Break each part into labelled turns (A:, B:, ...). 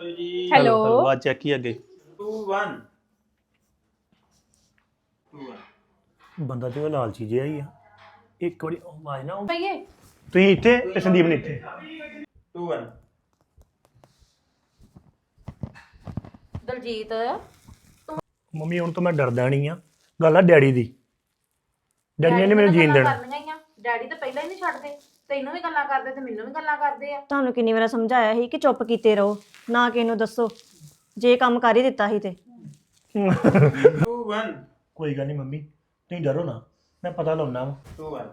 A: Hello
B: ਆਵਾਜ਼ check ਹੀ ਅੱਗੇ
C: 2 1 2 1
B: ਬੰਦਾ ਤੇ ਉਹ ਲਾਲਚੀ ਜਿਹਾ ਹੀ ਆ ਇੱਕ ਵਾਰੀ ਆਵਾਜ਼ ਨਾ
A: ਭਈਏ
B: ਤੁਸੀਂ ਇੱਥੇ ਤੇ ਸੰਦੀਪ ਨੇ ਇੱਥੇ
C: 2 1
A: ਦਲਜੀਤ
B: ਮੰਮੀ ਹੁਣ ਤੋਂ ਮੈਂ ਡਰਦਾ ਨਹੀਂ ਆ ਗੱਲ ਆ ਡੈਡੀ ਦੀ ਡੈਡੀ ਨੇ ਮੈਨੂੰ ਜੀਣ ਦੇਣਾ
A: ਡੈਡੀ ਤਾਂ ਪਹਿਲਾਂ ਹੀ ਨਹੀਂ ਛੱਡਦੇ ਤੈਨੂੰ ਵੀ ਗੱਲਾਂ ਕਰਦੇ ਤੇ ਮੈਨੂੰ ਵੀ ਗੱਲਾਂ ਕਰਦੇ ਆ
D: ਤੁਹਾਨੂੰ ਕਿੰਨੀ ਵਾਰ ਸਮਝਾਇਆ ਸੀ ਕਿ ਚੁੱਪ ਕੀਤੇ ਰਹੋ ਨਾ ਕਿ ਇਹਨੂੰ ਦੱਸੋ ਜੇ ਕੰਮ ਕਰ ਹੀ ਦਿੱਤਾ ਸੀ ਤੇ
C: 2 1
B: ਕੋਈ ਗੱਲ ਨਹੀਂ ਮੰਮੀ ਤੁਸੀਂ ਡਰੋ ਨਾ ਮੈਂ ਪਤਾ ਲਾਉਣਾ ਵਾ
C: 2 1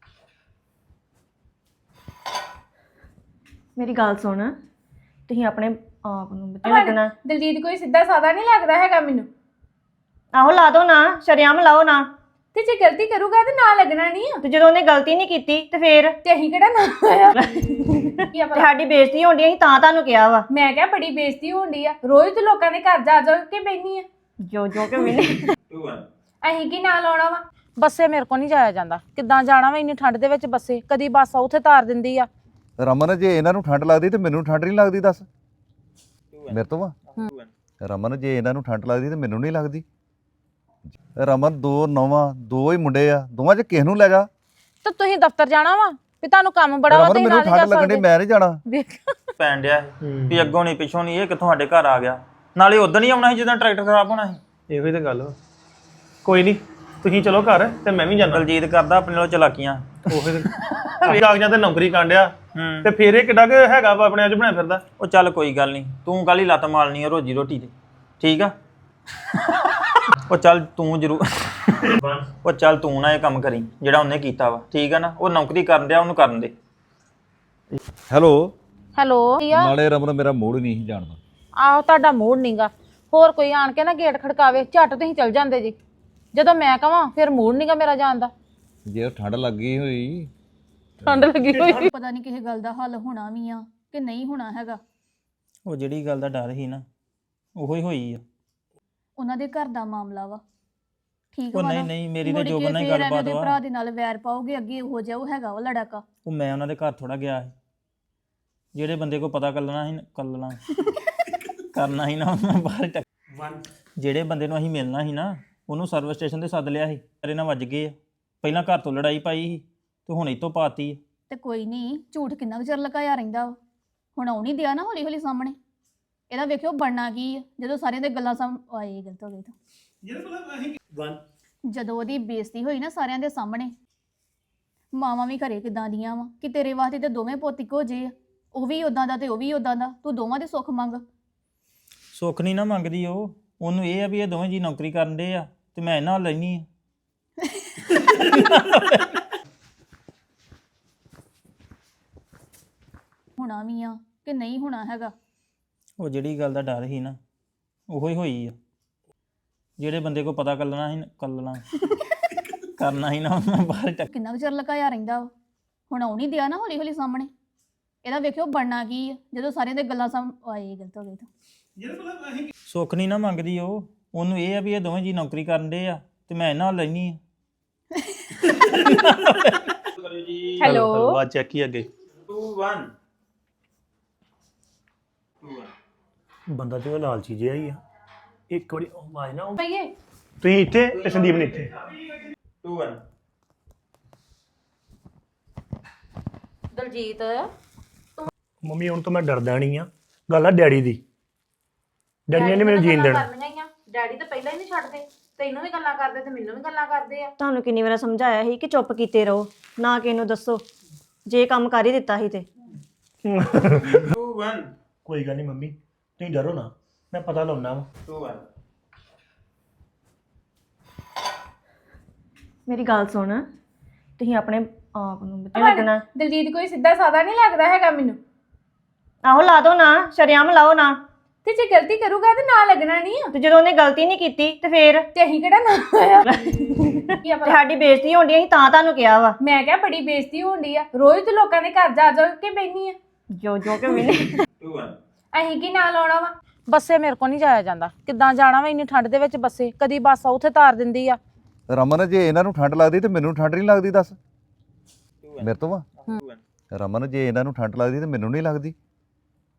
D: ਮੇਰੀ ਗੱਲ ਸੁਣ ਤੁਸੀਂ ਆਪਣੇ ਆਪ ਨੂੰ ਬਤੇ ਲੱਗਣਾ
E: ਦਲਜੀਤ ਕੋਈ ਸਿੱਧਾ ਸਾਦਾ ਨਹੀਂ ਲੱਗਦਾ ਹੈਗਾ ਮੈਨੂੰ
D: ਆਹੋ ਲਾ ਦੋ ਨਾ ਸ਼ਰਿਆਮ ਲਾਓ ਨਾ
E: ਤੇ ਜੇ ਗਲਤੀ ਕਰੂਗਾ ਤੇ ਨਾ ਲੱਗਣਾ ਨਹੀਂ ਆ
D: ਤੇ ਜਦੋਂ ਉਹਨੇ ਗਲਤੀ ਨਹੀਂ ਕੀਤੀ ਤੇ ਫੇਰ
E: ਤੇ ਅਸੀਂ ਕਿਹੜਾ ਨਾ ਹੋਇਆ ਕੀ ਆ ਪਤਾ?
D: ਤੁਹਾਡੀ ਬੇਇੱਜ਼ਤੀ ਹੋਣੀ ਅਸੀਂ ਤਾਂ ਤੁਹਾਨੂੰ ਕਿਹਾ ਵਾ
E: ਮੈਂ ਕਿਹਾ ਬੜੀ ਬੇਇੱਜ਼ਤੀ ਹੁੰਦੀ ਆ ਰੋਜ਼ ਤੇ ਲੋਕਾਂ ਦੇ ਘਰ ਜਾ ਜਾ ਕੇ ਬੈਣੀ ਆ
D: ਜੋ ਕਿ ਮੈਨੇ
C: 2 1
E: ਅਸੀਂ ਕੀ ਨਾਲ ਆਉਣਾ ਵਾ
A: ਬੱਸੇ ਮੇਰੇ ਕੋ ਨਹੀਂ ਜਾਇਆ ਜਾਂਦਾ ਕਿੱਦਾਂ ਜਾਣਾ ਵਾ ਇੰਨੀ ਠੰਡ ਦੇ ਵਿੱਚ ਬੱਸੇ ਕਦੀ ਬੱਸ ਉੱਥੇ ਤਾਰ ਦਿੰਦੀ ਆ
F: ਰਮਨ ਜੇ ਇਹਨਾਂ ਨੂੰ ਠੰਡ ਲੱਗਦੀ ਤੇ ਮੈਨੂੰ ਠੰਡ ਨਹੀਂ ਲੱਗਦੀ ਦੱਸ ਮੇਰੇ ਤੋਂ ਵਾ ਰਮਨ ਜੇ ਇਹਨਾਂ ਨੂੰ ਠੰਡ ਲੱਗਦੀ ਤੇ ਮੈਨੂੰ ਨਹੀਂ ਲੱਗਦੀ ਰਮਨ ਦੋ ਨੌਵਾਂ ਦੋ ਹੀ ਮੁੰਡੇ ਆ ਦੋਵਾਂ ਚ ਕਿਸ ਨੂੰ ਲੈ ਜਾ
A: ਤੇ ਤੁਸੀਂ ਦਫ਼ਤਰ ਜਾਣਾ ਵਾ ਵੀ ਤੁਹਾਨੂੰ ਕੰਮ ਬੜਾ ਵਾ
F: ਰਮਨ
A: ਤੁਸੀਂ
F: ਮੈਨੂੰ
A: ਨਾਲ ਨਹੀਂ
F: ਠੰਡ
A: ਜਾ
F: ਲੱਗਣੀ
A: ਸਕਦੇ
F: ਮੈਂ ਨਹੀਂ ਜਾਣਾ
A: ਵੇਖ
C: ਪੈਣ ਡਿਆ ਵੀ ਅੱਗੋਂ ਨਹੀਂ ਪਿੱਛੋਂ ਨਹੀਂ ਇਹ ਕਿੱਥੋਂ ਸਾਡੇ ਘਰ ਆ ਗਿਆ ਨਾਲੇ ਉਦੋਂ ਨਹੀਂ ਆਉਣਾ ਸੀ ਜਦੋਂ ਟਰੈਕਟਰ ਖਰਾਬ ਹੋਣਾ ਸੀ
B: ਇਹੋ ਹੀ ਤਾਂ ਗੱਲ ਵਾ ਕੋਈ ਨਹੀਂ ਤੁਸੀਂ ਚਲੋ ਘਰ ਤੇ ਮੈਂ ਵੀ ਜਾਣਾ
C: ਦਲਜੀਤ ਕਰਦਾ ਆਪਣੇ ਨਾਲ ਚਲਾਕੀਆਂ
B: ਉਹੀ ਕਾਗਜ਼ਾਂ ਤੇ ਨੌਕਰੀ ਕਾਂਡਿਆ
C: ਹੂੰ
B: ਤੇ ਫੇਰ ਇਹ ਕਿੱਡਾ ਕੁ ਹੈਗਾ ਵਾ ਆਪਣੇ ਅੱਜ ਬਣਿਆ ਫਿਰਦਾ
C: ਉਹ ਚੱਲ ਕੋਈ ਗੱਲ ਨਹੀਂ ਤੂੰ ਕੱਲ ਹੀ ਲੱਤ ਮਾਰਨੀ ਆ ਰੋਜੀ ਰੋਟੀ ਤੇ ਠੀਕ ਆ ਉਹ ਚੱਲ ਤੂੰ ਜ਼ਰੂਰ ਉਹ ਚੱਲ ਤੂੰ ਨਾ ਇਹ ਕੰਮ ਕਰੀ ਜਿਹੜਾ ਉਹਨੇ ਕੀਤਾ ਵਾ ਠੀਕ ਆ ਨਾ ਉਹ ਨੌਕਰੀ ਕਰਨ ਡਿਆ ਉਹਨੂੰ ਕਰਨ ਦੇ
F: ਹੈਲੋ
A: ਹੈਲੋ
F: ਨਾਲੇ ਰਮਨ ਮੇਰਾ ਮੂਡ ਨਹੀਂ ਸੀ ਜਾਣਦਾ
A: ਆਹੋ ਤੁਹਾਡਾ ਮੂਡ ਨਹੀਂਗਾ ਹੋਰ ਕੋਈ ਆਣ ਕੇ ਨਾ ਗੇਟ ਖੜਕਾਵੇ ਝੱਟ ਤੁਸੀਂ ਚਲ ਜਾਂਦੇ ਜੀ ਜਦੋਂ ਮੈਂ ਕਹਾਂ ਫਿਰ ਮੂਡ ਨਹੀਂਗਾ ਮੇਰਾ ਜਾਣ ਦਾ
F: ਜੇ ਉਹ ਠੰਡ ਲੱਗੀ ਹੋਈ
A: ਠੰਡ ਲੱਗੀ ਹੋਈ
E: ਪਤਾ ਨਹੀਂ ਕਿਸੇ ਗੱਲ ਦਾ ਹੱਲ ਹੋਣਾ ਵੀ ਆ ਕਿ ਨਹੀਂ ਹੋਣਾ ਹੈਗਾ
C: ਉਹ ਜਿਹੜੀ ਗੱਲ ਦਾ ਡਰ ਸੀ ਨਾ ਉਹੋ ਹੀ ਹੋਈ ਆ
E: ਉਹਨਾਂ ਦੇ ਘਰ ਦਾ ਮਾਮਲਾ ਵਾ ਠੀਕ
C: ਉਹ
E: ਵਾ
C: ਨਹੀਂ
E: ਨਾ?
C: ਨਹੀਂ ਮੇਰੀ ਤਾਂ
E: ਮੁੜ
C: ਜੋਬਨ
E: ਕੇ
C: ਨਾਲ ਹੀ
E: ਫਿਰ ਐਵੇਂ
C: ਗੱਲਬਾਤ
E: ਉਹਦੇ
C: ਵਾ
E: ਭਰਾ ਦੇ ਨਾਲ ਵੈਰ ਪਾਓਗੇ ਅੱਗੇ ਉਹ ਜਿਹਾ ਉਹ ਹੈਗਾ ਵਾ ਲੜਾਕਾ
C: ਉਹ ਮੈਂ ਉਹਨਾਂ ਦੇ ਘਰ ਥੋੜਾ ਗਿਆ ਸੀ ਜਿਹੜੇ ਬੰਦੇ ਕੋ ਪਤਾ ਕਰਨਾ ਸੀ ਕਰਨਾ ਸੀ ਨਾ ਉਹਨਾਂ ਬਾਹਰ ਜਿਹੜੇ ਬੰਦੇ ਨੂੰ ਅਸੀਂ ਮਿਲਣਾ ਸੀ ਨਾ ਉਹਨੂੰ ਸਰਵਿਸ ਸਟੇਸ਼ਨ ਤੇ ਸੱਦ ਲਿਆ ਸੀ ਤੇਰੇ ਨਾਲ ਵੱਜ ਗਏ ਆ ਪਹਿਲਾਂ ਘਰ ਤੋਂ ਲੜਾਈ ਪਾਈ ਸੀ ਤੇ ਹੁਣ ਇਹ ਤੋਂ ਪਾਤੀ
E: ਤੇ ਕੋਈ ਨਹੀਂ ਝੂਠ ਕਿੰਨਾ ਕੁ ਚਿਰ ਲੁਕਾਇਆ ਰਹਿੰਦਾ ਵਾ ਹੁਣ ਆਉਣੀ ਦਿਆ ਨਾ ਹੌਲੀ ਹੌਲੀ ਸਾਹਮਣੇ ਇਹਦਾ ਵੇਖਿਓ ਬਣਨਾ ਕੀ ਆ ਜਦੋਂ ਸਾਰਿਆਂ ਦੇ ਗੱਲਾਂ ਆਏ ਗਲਤ ਹੋ ਗਈ ਤਾਂ ਜਦੋਂ ਉਹਦੀ ਬੇਇੱਜ਼ਤੀ ਹੋਈ ਨਾ ਸਾਰਿਆਂ ਦੇ ਸਾਹਮਣੇ ਮਾਵਾਂ ਵੀ ਘਰੇ ਕਿਦਾਂ ਦੀਆਂ ਵਾ ਕਿ ਤੇਰੇ ਵਾਸਤੇ ਤੇ ਦੋਵੇਂ ਪੁੱਤ ਇੱਕੋ ਜਿਹੇ ਆ ਉਹ ਵੀ ਉਦਾਂ ਦਾ ਤੇ ਉਹ ਵੀ ਉਦਾਂ ਦਾ ਤੂੰ ਦੋਵਾਂ ਦੇ ਸੁੱਖ ਮੰਗ
C: ਸੁੱਖ ਨਹੀਂ ਨਾ ਮੰਗਦੀ ਉਹ ਉਹਨੂੰ ਇਹ ਆ ਵੀ ਇਹ ਦੋਵੇਂ ਜੀ ਨੌਕਰੀ ਕਰਨ ਦੇ ਆ ਤੇ ਮੈਂ ਇਹਨਾਂ ਨਾਲ ਲੈਣੀ ਆ
E: ਹੋਣਾ ਵੀ ਆ ਕਿ ਨਹੀਂ ਹੋਣਾ ਹੈਗਾ
C: ਉਹ ਜਿਹੜੀ ਗੱਲ ਦਾ ਡਰ ਸੀ ਨਾ ਉਹੋ ਹੀ ਹੋਈ ਆ ਜਿਹੜੇ ਬੰਦੇ ਕੋ ਪਤਾ ਕਰਨਾ ਕਰਨਾ ਸੀ ਨਾ ਉਹਨਾਂ ਬਾਹਰ
E: ਕਿੰਨਾ ਕੁ ਚਿਰ ਲੁਕਾਇਆ ਰਹਿੰਦਾ ਵਾ ਹੁਣ ਆਉਣੀ ਦਿਆ ਨਾ ਹੌਲੀ ਹੌਲੀ ਸਾਹਮਣੇ ਇਹਦਾ ਵੇਖਿਓ ਬਣਨਾ ਕੀ ਆ ਜਦੋਂ ਸਾਰਿਆਂ ਦੇ ਗੱਲਾਂ ਆਏ ਗਲਤ ਹੋ ਗਈ ਤਾਂ
C: ਸੁੱਖ ਨਹੀਂ ਨਾ ਮੰਗਦੀ ਉਹ ਉਹਨੂੰ ਇਹ ਆ ਵੀ ਇਹ ਦੋਵੇਂ ਜੀ ਨੌਕਰੀ ਕਰਨ ਦੇ ਆ ਤੇ ਮੈਂ ਇਹਨਾਂ ਨਾਲ ਲੈਣੀ ਆ
A: ਹੈਲੋ
B: ਆਵਾਜ਼ ਚੈੱਕ ਹੀ ਅੱਗੇ
C: 2 1 2 1
B: ਬੰਦਾ ਤੇ ਉਹ ਲਾਲਚੀ ਜਿਹਾ ਹੀ ਆ ਇੱਕ ਵਾਰੀ ਆਵਾਜ਼ ਨਾ
A: ਭਈਏ
B: ਤੁਸੀਂ ਇੱਥੇ ਤੇ ਸੰਦੀਪ ਨੇ ਇੱਥੇ
C: 2 1
A: ਦਲਜੀਤ
B: ਮੰਮੀ ਹੁਣ ਤੋਂ ਮੈਂ ਡਰਦਾ ਨਹੀਂ ਆ ਗੱਲ ਆ ਡੈਡੀ ਦੀ ਡੈਡੀ ਨੇ ਮੈਨੂੰ ਜੀਣ ਦੇਣਾ
A: ਡੈਡੀ ਤਾਂ ਪਹਿਲਾਂ ਹੀ ਨਹੀਂ ਛੱਡਦੇ ਤੈਨੂੰ ਵੀ ਗੱਲਾਂ ਕਰਦੇ ਤੇ ਮੈਨੂੰ ਵੀ ਗੱਲਾਂ ਕਰਦੇ ਆ
D: ਤੁਹਾਨੂੰ ਕਿੰਨੀ ਵਾਰ ਸਮਝਾਇਆ ਸੀ ਕਿ ਚੁੱਪ ਕੀਤੇ ਰਹੋ ਨਾ ਕਿ ਇਹਨੂੰ ਦੱਸੋ ਜੇ ਕੰਮ ਕਰ ਹੀ ਦਿੱਤਾ ਸੀ ਤੇ
C: 2 1
B: ਕੋਈ ਗੱਲ ਨਹੀਂ ਮੰਮੀ ਤੁਸੀਂ ਡਰੋ ਨਾ ਮੈਂ ਪਤਾ ਲਾਉਣਾ ਵਾ
C: 2 1
D: ਮੇਰੀ ਗੱਲ ਸੁਣ ਤੁਸੀਂ ਆਪਣੇ ਆਪ ਨੂੰ ਬਤੇ ਲੱਗਣਾ
E: ਦਲਜੀਤ ਕੋਈ ਸਿੱਧਾ ਸਾਦਾ ਨਹੀਂ ਲੱਗਦਾ ਹੈਗਾ ਮੈਨੂੰ
D: ਆਹੋ ਲਾ ਦੋ ਨਾ ਸ਼ਰਿਆਮ ਲਾਓ ਨਾ
E: ਤੇ ਜੇ ਗਲਤੀ ਕਰੂਗਾ ਤੇ ਨਾ ਲੱਗਣਾ ਨਹੀਂ ਆ
D: ਤੇ ਜਦੋਂ ਉਹਨੇ ਗਲਤੀ ਨਹੀਂ ਕੀਤੀ ਤੇ ਫੇਰ
E: ਤੇ ਅਸੀਂ ਕਿਹੜਾ ਨਾ ਹੋਇਆ ਕੀ ਆ ਪਤਾ?
D: ਤੁਹਾਡੀ ਬੇਇੱਜ਼ਤੀ ਹੋਣੀ ਅਸੀਂ ਤਾਂ ਤੁਹਾਨੂੰ ਕਿਹਾ ਵਾ
E: ਮੈਂ ਕਿਹਾ ਬੜੀ ਬੇਇੱਜ਼ਤੀ ਹੁੰਦੀ ਆ ਰੋਜ਼ ਤੇ ਲੋਕਾਂ ਦੇ ਘਰ ਜਾ ਜਾ ਕੇ ਬੈਣੀ ਆ
D: ਜੋ ਕਿ ਮੈਨੇ
C: 2 1
E: ਅਸੀਂ ਕੀ ਨਾਲ ਆਉਣਾ ਵਾ
A: ਬੱਸੇ ਮੇਰੇ ਕੋ ਨਹੀਂ ਜਾਇਆ ਜਾਂਦਾ ਕਿੱਦਾਂ ਜਾਣਾ ਵਾ ਇੰਨੀ ਠੰਡ ਦੇ ਵਿੱਚ ਬੱਸੇ ਕਦੀ ਬੱਸ ਉੱਥੇ ਤਾਰ ਦਿੰਦੀ ਆ
F: ਰਮਨ ਜੇ ਇਹਨਾਂ ਨੂੰ ਠੰਡ ਲੱਗਦੀ ਤੇ ਮੈਨੂੰ ਠੰਡ ਨਹੀਂ ਲੱਗਦੀ ਦੱਸ ਮੇਰੇ ਤੋਂ ਵਾ ਰਮਨ ਜੇ ਇਹਨਾਂ ਨੂੰ ਠੰਡ ਲੱਗਦੀ ਤੇ ਮੈਨੂੰ ਨਹੀਂ ਲੱਗਦੀ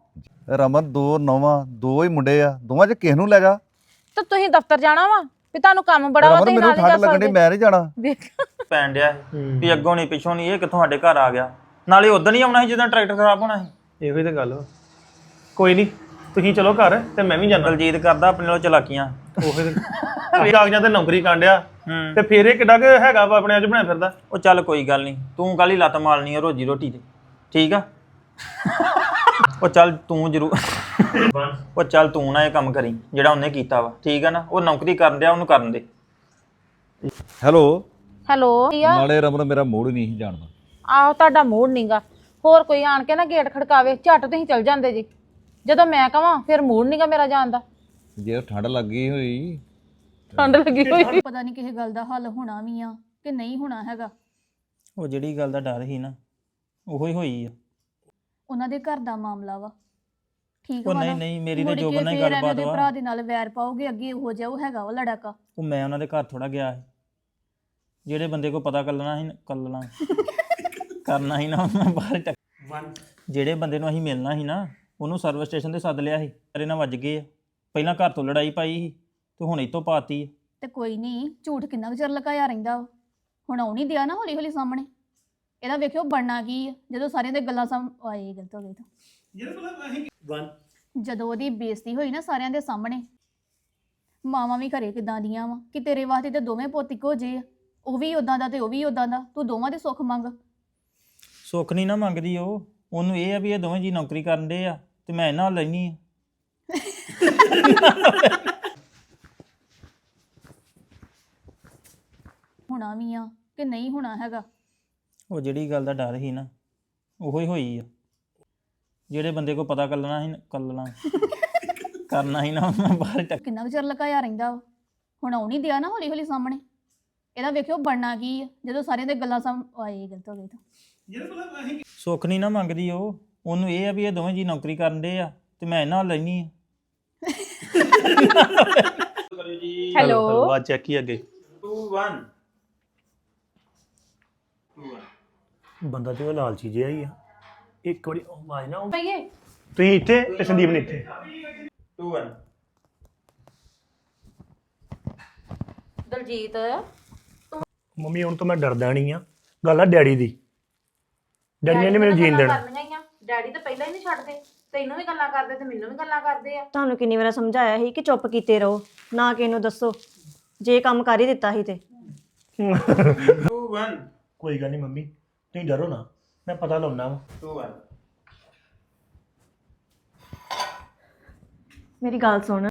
F: ਰਮਨ ਦੋ ਨੌਵਾਂ ਦੋ ਹੀ ਮੁੰਡੇ ਆ ਦੋਵਾਂ 'ਚ ਕਿਸ ਨੂੰ ਲੈ ਜਾ
A: ਤੇ ਤੁਸੀਂ ਦਫ਼ਤਰ ਜਾਣਾ ਵਾ ਵੀ ਤੁਹਾਨੂੰ ਕੰਮ ਬੜਾ ਵਾ
F: ਰਮਨ
A: ਤੁਸੀਂ
F: ਮੈਨੂੰ
A: ਨਾਲ ਹੀ
F: ਠੰਡ
A: ਕਰ
F: ਲੱਗਣੀ
A: ਸਕਦੇ
F: ਮੈਂ ਨਹੀਂ ਜਾਣਾ
A: ਵੇਖ
C: ਪੈਣ ਡਿਆ ਵੀ ਅੱਗੋਂ ਨਹੀਂ ਪਿੱਛੋਂ ਨਹੀਂ ਇਹ ਕਿੱਥੋਂ ਸਾਡੇ ਘਰ ਆ ਗਿਆ ਨਾਲੇ ਉਦੋਂ ਨਹੀਂ ਆਉਣਾ ਸੀ ਜਦੋਂ ਟਰੈਕਟਰ ਖਰਾਬ ਹੋਣਾ ਸੀ
B: ਇਹੋ ਹੀ ਤਾਂ ਗੱਲ ਵਾ ਕੋਈ ਨਹੀਂ ਤੁਸੀਂ ਚਲੋ ਘਰ ਤੇ ਮੈਂ ਵੀ ਜਾਣਾ
C: ਦਲਜੀਤ ਕਰਦਾ ਆਪਣੇ ਨਾਲ ਚਲਾਕੀਆਂ
B: ਉਹ ਫਿਰ ਕਾਗਜ਼ਾਂ ਤੇ ਨੌਕਰੀ ਕਾਂਡਿਆ
C: ਹੂੰ
B: ਤੇ ਫਿਰ ਇਹ ਕਿੱਡਾ ਕੁ ਹੈਗਾ ਵਾ ਆਪਣੇ ਅੱਜ ਬਣਿਆ ਫਿਰਦਾ
C: ਉਹ ਚੱਲ ਕੋਈ ਗੱਲ ਨਹੀਂ ਤੂੰ ਕੱਲ ਹੀ ਲੱਤ ਮਾਰਨੀ ਆ ਰੋਜੀ ਰੋਟੀ ਤੇ ਠੀਕ ਆ ਉਹ ਚੱਲ ਤੂੰ ਜ਼ਰੂਰ ਉਹ ਚੱਲ ਤੂੰ ਨਾ ਇਹ ਕੰਮ ਕਰੀ ਜਿਹੜਾ ਉਹਨੇ ਕੀਤਾ ਵਾ ਠੀਕ ਆ ਨਾ ਉਹ ਨੌਕਰੀ ਕਰਨ ਡਿਆ ਉਹਨੂੰ ਕਰਨ ਦੇ
F: ਹੈਲੋ
A: ਹੈਲੋ
F: ਨਾਲੇ ਰਮਨ ਮੇਰਾ ਮੂਡ ਨਹੀਂ ਸੀ ਜਾਣਦਾ
A: ਆਹੋ ਤੁਹਾਡਾ ਮੂਡ ਨਹੀਂਗਾ ਹੋਰ ਕੋਈ ਆਣ ਕੇ ਨਾ ਗੇਟ ਖੜਕਾਵੇ ਝੱਟ ਤੁਸੀਂ ਚਲ ਜਾਂਦੇ ਜੀ ਜਦੋਂ ਮੈਂ ਕਹਾਂ ਫਿਰ ਮੂਡ ਨਹੀਂਗਾ ਮੇਰਾ ਜਾਣ ਦਾ
F: ਜੇ ਠੰਡ ਲੱਗੀ ਹੋਈ
A: ਠੰਡ ਲੱਗੀ ਹੋਈ
E: ਪਤਾ ਨਹੀਂ ਕਿਸੇ ਗੱਲ ਦਾ ਹੱਲ ਹੋਣਾ ਵੀ ਆ ਕਿ ਨਹੀਂ ਹੋਣਾ ਹੈਗਾ।
C: ਉਹ ਜਿਹੜੀ ਗੱਲ ਦਾ ਡਰ ਸੀ ਨਾ ਉਹੋ ਹੀ ਹੋਈ ਆ
E: ਉਹਨਾਂ ਦੇ ਘਰ ਦਾ ਮਾਮਲਾ ਵਾ ਠੀਕ
C: ਉਹ
E: ਵਾ
C: ਨਹੀਂ
E: ਨਾ?
C: ਨਹੀਂ ਮੇਰੀ ਤੇ
E: ਮੁੜ
C: ਜੋਬਨ
E: ਕੇ
C: ਨਾਲ ਹੀ
E: ਫਿਰ ਐਵੇਂ
C: ਗੱਲਬਾਤ
E: ਉਹਦੇ
C: ਵਾ
E: ਭਰਾ ਦੇ ਨਾਲ ਵੈਰ ਪਾਓਗੇ ਅੱਗੇ ਉਹ ਜਿਹਾ ਉਹ ਹੈਗਾ ਵਾ ਲੜਾਕਾ।
C: ਉਹ ਮੈਂ ਉਹਨਾਂ ਦੇ ਘਰ ਥੋੜਾ ਗਿਆ ਸੀ ਜਿਹੜੇ ਬੰਦੇ ਕੋ ਪਤਾ ਕਰਨਾ ਸੀ ਕਰਨਾ ਸੀ ਨਾ ਉਹਨਾਂ ਬਾਹਰ ਜਿਹੜੇ ਬੰਦੇ ਨੂੰ ਅਸੀਂ ਮਿਲਣਾ ਸੀ ਨਾ ਉਹਨੂੰ ਸਰਵਿਸ ਸਟੇਸ਼ਨ ਤੇ ਸੱਦ ਲਿਆ ਸੀ ਤੇਰੇ ਨਾਲ ਵੱਜ ਗਏ ਆ ਪਹਿਲਾਂ ਘਰ ਤੋਂ ਲੜਾਈ ਪਾਈ ਸੀ ਤੇ ਹੁਣ ਇਹ ਤੋਂ ਪਾਤੀ ਆ।
E: ਤੇ ਕੋਈ ਨਹੀਂ ਝੂਠ ਕਿੰਨਾ ਕੁ ਚਿਰ ਲੁਕਾਇਆ ਰਹਿੰਦਾ ਵਾ ਹੁਣ ਆਉਣੀ ਦਿਆ ਨਾ ਹੌਲੀ ਹੌਲੀ ਸਾਹਮਣੇ ਇਹਦਾ ਵੇਖਿਓ ਬਣਨਾ ਕੀ ਆ ਜਦੋਂ ਸਾਰਿਆਂ ਦੇ ਗੱਲਾਂ ਆਏ ਗਲਤ ਹੋ ਗਈ ਤਾਂ ਜਦੋਂ ਉਹਦੀ ਬੇਇੱਜ਼ਤੀ ਹੋਈ ਨਾ ਸਾਰਿਆਂ ਦੇ ਸਾਹਮਣੇ ਮਾਵਾਂ ਵੀ ਘਰੇ ਕਿਦਾਂ ਦੀਆਂ ਵਾ ਕਿ ਤੇਰੇ ਵਾਸਤੇ ਤੇ ਦੋਵੇਂ ਪੁੱਤ ਇੱਕੋ ਜਿਹੇ ਆ ਉਹ ਵੀ ਉਦਾਂ ਦਾ ਤੇ ਉਹ ਵੀ ਉਦਾਂ ਦਾ ਤੂੰ ਦੋਵਾਂ ਦੇ ਸੁੱਖ ਮੰਗ
C: ਸੁੱਖ ਨਹੀਂ ਨਾ ਮੰਗਦੀ ਉਹ ਉਹਨੂੰ ਇਹ ਆ ਵੀ ਇਹ ਦੋਵੇਂ ਜੀ ਨੌਕਰੀ ਕਰਨ ਦੇ ਆ ਤੇ ਮੈਂ ਇਹਨਾਂ ਨਾਲ ਲੈਣੀ ਆ
E: ਹੋਣਾ ਵੀ ਆ ਕਿ ਨਹੀਂ ਹੋਣਾ ਹੈਗਾ।
C: ਉਹ ਜਿਹੜੀ ਗੱਲ ਦਾ ਡਰ ਸੀ ਨਾ ਉਹੋ ਹੀ ਹੋਈ ਆ ਜਿਹੜੇ ਬੰਦੇ ਕੋ ਪਤਾ ਕਰਨਾ ਕਰਨਾ ਸੀ ਨਾ ਉਹਨਾਂ ਬਾਹਰ
E: ਕਿੰਨਾ ਕੁ ਚਿਰ ਲੁਕਾਇਆ ਰਹਿੰਦਾ ਵਾ ਹੁਣ ਆਉਣੀ ਦਿਆ ਨਾ ਹੌਲੀ ਹੌਲੀ ਸਾਹਮਣੇ ਇਹਦਾ ਵੇਖਿਓ ਬਣਨਾ ਕੀ ਆ ਜਦੋਂ ਸਾਰਿਆਂ ਦੇ ਗੱਲਾਂ ਆਏ ਗਲਤ ਹੋ ਗਈ ਤਾਂ
C: ਸੁੱਖ ਨਹੀਂ ਨਾ ਮੰਗਦੀ ਉਹ ਉਹਨੂੰ ਇਹ ਆ ਵੀ ਇਹ ਦੋਵੇਂ ਜੀ ਨੌਕਰੀ ਕਰਨ ਦੇ ਆ ਤੇ ਮੈਂ ਇਹਨਾਂ ਨਾਲ ਲੈਣੀ ਆ
A: ਹੈਲੋ
B: ਬਾਅਦ ਚੈੱਕ ਹੀ ਅੱਗੇ
C: 2 1
B: ਬੰਦਾ ਤੇ ਉਹ ਲਾਲਚੀ ਜਿਹਾ ਹੀ ਆ ਇੱਕ ਵਾਰੀ ਉਹ ਆਵਾਜ਼ ਨਾ
A: ਪਈਏ
B: ਤੁਸੀਂ ਇੱਥੇ ਤੇ ਸੰਦੀਪ ਨੇ ਇੱਥੇ
C: 2 1
A: ਦਲਜੀਤ
B: ਮੰਮੀ ਹੁਣ ਤਾਂ ਮੈਂ ਡਰਦਾ ਨਹੀਂ ਆ ਗੱਲ ਆ ਡੈਡੀ ਦੀ ਡੈਡੀ ਨੇ ਮੈਨੂੰ ਜੀਣ ਦੇਣਾ
A: ਡੈਡੀ ਤਾਂ ਪਹਿਲਾਂ ਹੀ ਨਹੀਂ ਛੱਡਦੇ ਤੈਨੂੰ ਵੀ ਗੱਲਾਂ ਕਰਦੇ ਤੇ ਮੈਨੂੰ ਵੀ ਗੱਲਾਂ ਕਰਦੇ ਆ
D: ਤੁਹਾਨੂੰ ਕਿੰਨੀ ਵਾਰ ਸਮਝਾਇਆ ਸੀ ਕਿ ਚੁੱਪ ਕੀਤੇ ਰਹੋ ਨਾ ਕਿਸੇ ਨੂੰ ਦੱਸੋ ਜੇ ਕੰਮ ਕਰ ਹੀ ਦਿੱਤਾ ਸੀ ਤੇ
C: 2 1
B: ਕੋਈ ਗੱਲ ਨਹੀਂ ਮੰਮੀ ਤੁਸੀਂ ਡਰੋ ਨਾ ਮੈਂ ਪਤਾ ਲਾਉਣਾ ਵਾ
C: 2 1
D: ਮੇਰੀ ਗੱਲ ਸੁਣ